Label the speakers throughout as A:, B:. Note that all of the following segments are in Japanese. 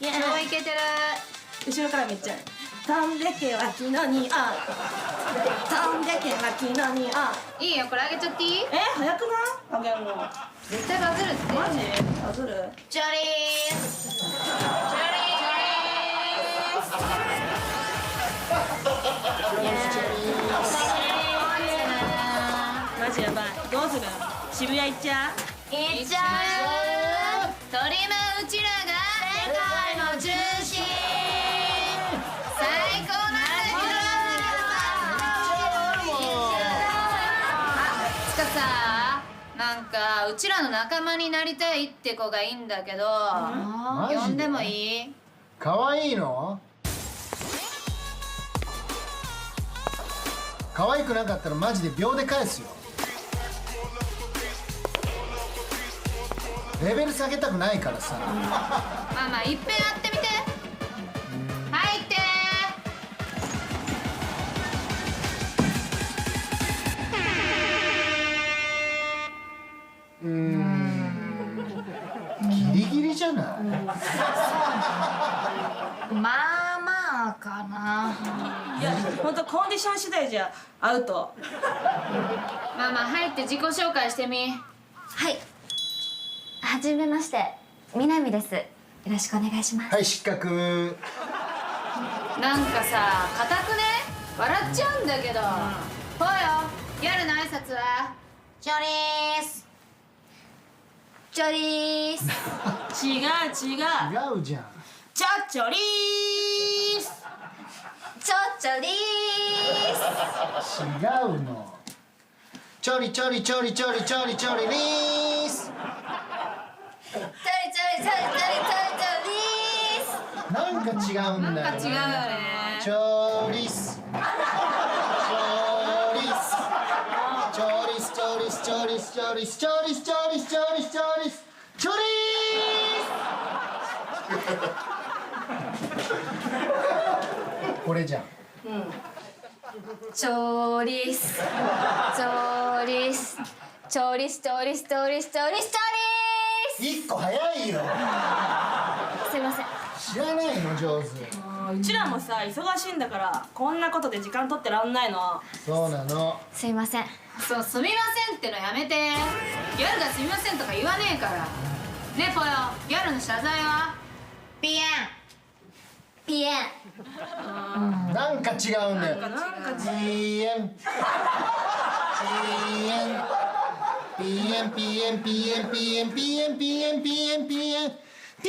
A: 超イケてる。
B: 後ろからめっちゃ飛んでけは昨日にあ飛んでけは昨日にあ。
A: いいよ、これあげちゃっていい？
B: 早くない？あげるの
A: 絶対バズるって。
B: マジ？バズる？
A: チョリース。チョリース。
B: マジやばい。どうする？渋谷行っちゃう？
A: いっちゃう。トリムうちらが世界の中心。最高なんだけど。つかさ、なんかうちらの仲間になりたいって子がいいんだけど、呼んでもいい？
C: 可愛いの？可愛くなかったらマジで秒で返すよ。レベル下げたくないからさ。
A: まあまあいっぺん会ってみて。入って
C: ギリギリじゃない？
A: まあまあかな。
B: いやほんとコンディション次第じゃアウト。
A: まあまあ入って自己紹介してみ。
D: はい。はじめまして、南です。よろしくお願いします。
C: はい失格。
A: なんかさ、固くね笑っちゃうんだけど。ほうよ、ギャルの挨拶はチョリース。
D: チョリース。
B: 違う違う。
C: 違うじゃん。
B: ちょっちょりーす。
D: ちょっちょりーす。
C: 違うの。チョリチョリチョリチョリチョリチョリリース。
D: チョリチョリチョリチョリチョリチョリース。
C: なんか違うんだよ。
A: なんか違うよね。
C: チョリス。チョリス。チョリスチョリスチョリスチョリスチョリスチョリスチョリスチョリスチョリース。これじゃん。
D: チョリス。チョリス。チョリスチョリスチョリスチョリスチョ
C: 一個早いよ。
D: リース。すいません。
C: 知らないの上手。
B: うちらもさ忙しいんだからこんなことで時間取ってらんないの。
C: そうなの。
D: すいません。
A: そう、すみませんってのやめて。ギャルがすみませんとか言わねえから。ねえぽよ、ギャルの謝罪は？
D: ピエン。ピエン。
C: なんか違うんだよ。
B: なんか
C: ピエン。ピエン。ピエンピエンピエンピエンピエンピエンピエンピエンピ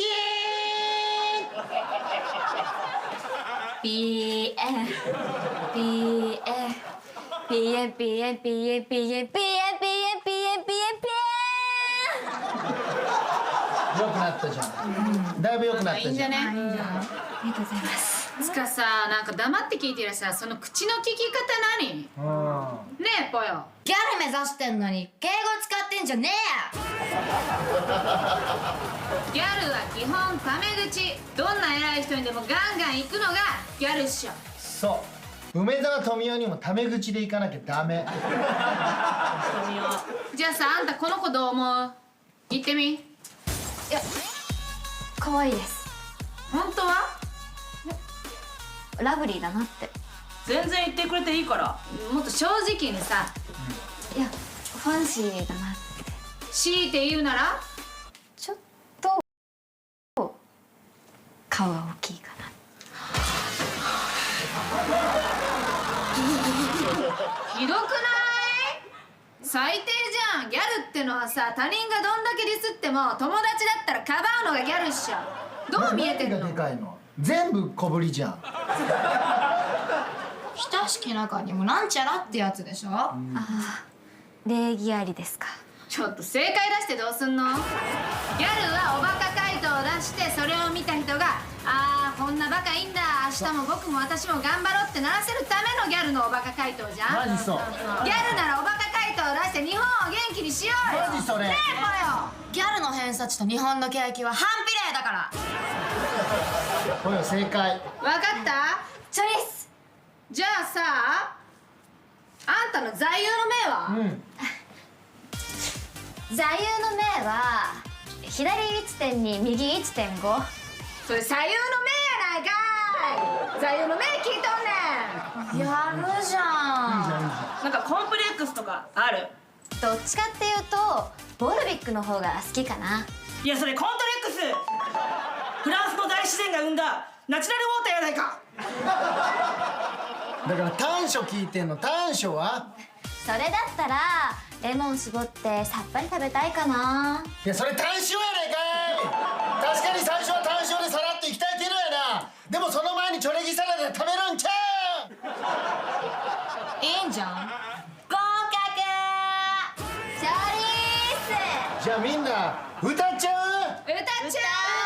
D: ピエン。ピエン。ピエンピエンピエンピエンピエンピエンピエンピエンピエンピエン。
C: 良くなったじゃん。だいぶ良くなったじゃん。
A: いいんじゃね。
D: ありがとうございます。
A: つかさ、なんか黙って聞いてるさ、その口の聞き方何？ねえぽよ。
D: ギャル目指してんのに敬語使ってんじゃね
A: ギャルは基本タメ口。どんな偉い人にでもガンガン行くのがギャルっしょ。
C: そう。梅沢富美男にもタメ口で行かなきゃダメ。
A: じゃあさ、あんたこの子どう思う？言ってみ。
D: え。いや、可愛いです。
A: 本当は？
D: ラブリーだなって。
B: 全然言ってくれていいから。
A: もっと正直にさ。
D: いや、ファンシーだなって。
A: 強いて言うなら？
D: ちょっと顔が大きいかな。
A: ひどくない？最低じゃん。ギャルってのはさ、他人がどんだけディスっても友達だったらかばうのがギャルっしょ。どう見えてんの？
C: 何がでかいの？全部小ぶりじゃん。
E: 親しき中にもなんちゃらってやつでしょ。
D: ああ、礼儀ありですか。
A: ちょっと正解出してどうすんの？ギャルはおバカ回答を出して、それを見た人があーこんなバカいいんだ、明日も僕も私も頑張ろうってならせるためのギャルのおバカ回答じゃん。
C: マジそう。
A: ギャルならおバカ回答を出して日本を元気にしようよ。
C: マジそれ。
A: ねえぽよ。
E: ギャルの偏差値と日本の景気は反比例だから。
C: これは正解。
A: わかった？
D: チョリス。
A: じゃあさ、あんたの座右の銘は？
D: 座右の銘は左 1.2 右 1.5。
A: それ左右の目やないかい。左右の目聞いとんねん。
D: やるじゃん。
B: なんかコンプレックスとかある？
D: どっちかっていうとボルビックの方が好きかな。
B: いやそれコントレックス。フランスの大自然が生んだナチュラルウォーターやないか。
C: だから短所聞いてんの。短所は？
D: それだったらレモン絞ってさっぱり食べたいかな。
C: いやそれ短所やないかい。確かに最初は短所でさらっといきたいけどやな。でもその前にチョレギサラダ食べるんちゃう。
E: いいんじゃん。
D: 合格。チョリース。
C: じゃあみんな歌っちゃう？
A: 歌っちゃ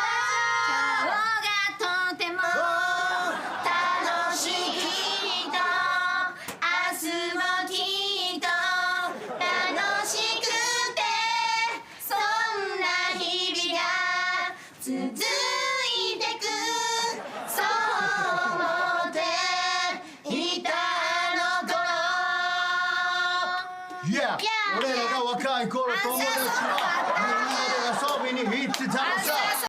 D: 今日がとても楽しいと明日もきっと楽しくてそんな日々が続いてくそう思っていたあの頃
C: いや、俺らが若い頃友達はみんなで遊びに行ってたのさ。